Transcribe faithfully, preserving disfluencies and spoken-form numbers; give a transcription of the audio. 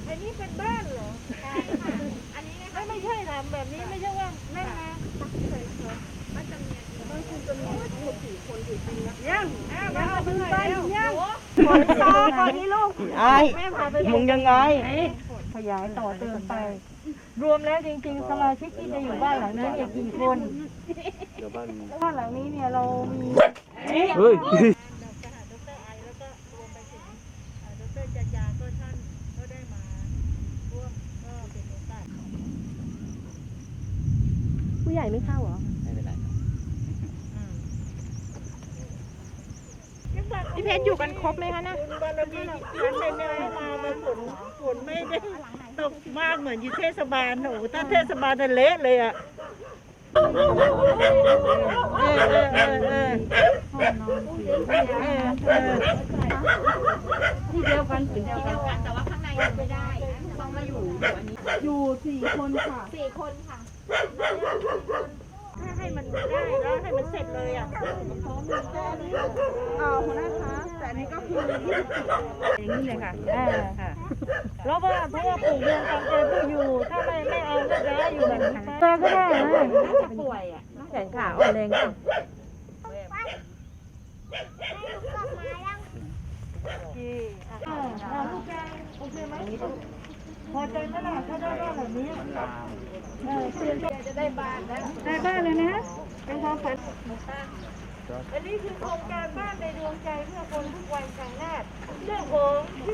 อันนี้เป็นบ้านเหรอใช่ค่ะอันนี้นะคะไม่ใช่ทำแบบนี้ไม่ใช่ว่านั่นนะบ้านจำเนียนบ้านคุณจำเนียนทั้งหมดสี่คนอยู่จริงนะยังมาเอาไปเลยยังขอตาก่อนที่ลูกไอ้มึงยังไงขยายต่อเติมไปรวมแล้วจริงๆสมาชิกที่จะอยู่บ้านหลังนั้นเนี่ยกี่คนบ้านหลังนี้เนี่ยเรามีเฮ้ยผู้ใหญ่ไม่เข้าเหรอไม่เป็นไรพี่เพชรอยู่กันครบไหมคะนะบารมีฉันไม่ได้มามาฝนฝนไม่ได้ตกมากเหมือนอยู่เทศบาลหนูถ้าเทศบาลจะเละเลยอ่ะเออเออเออเออเออที่เดียวกันที่เดียวกันแต่ว่าข้างในไม่ได้ต้องมาอยู่อันนี้อยู่สี่คนค่ะสี่คนค่ะถ้าให้มันได้แล้วให้มันเสร็จเลยอ่ะเอาหัวหน้าคะแต่อันนี้ก็คืออย่างนี้เลยค่ะอ่าค่ะแล้วว่าเพราะว่าปลูกเรือนตามใจผู้อยู่ถ้าไม่ไม่เอาก็จะอยู่แบบนี้ไปก็ได้นะน่าจะป่วยอ่ะแขนขาอ่อนแรงอ่ะโอเคอ่าลูกแกโอเคไหมพอใจไหมล่ะถ้าได้บ้านแบบนี้เออเพื่อนจะได้บ้านแล้วได้บ้านเลยนะเป็นความฝันอันนี้คือโครงการบ้านในดวงใจเพื่อคนทุกวัยครั้งแรกเรื่องของ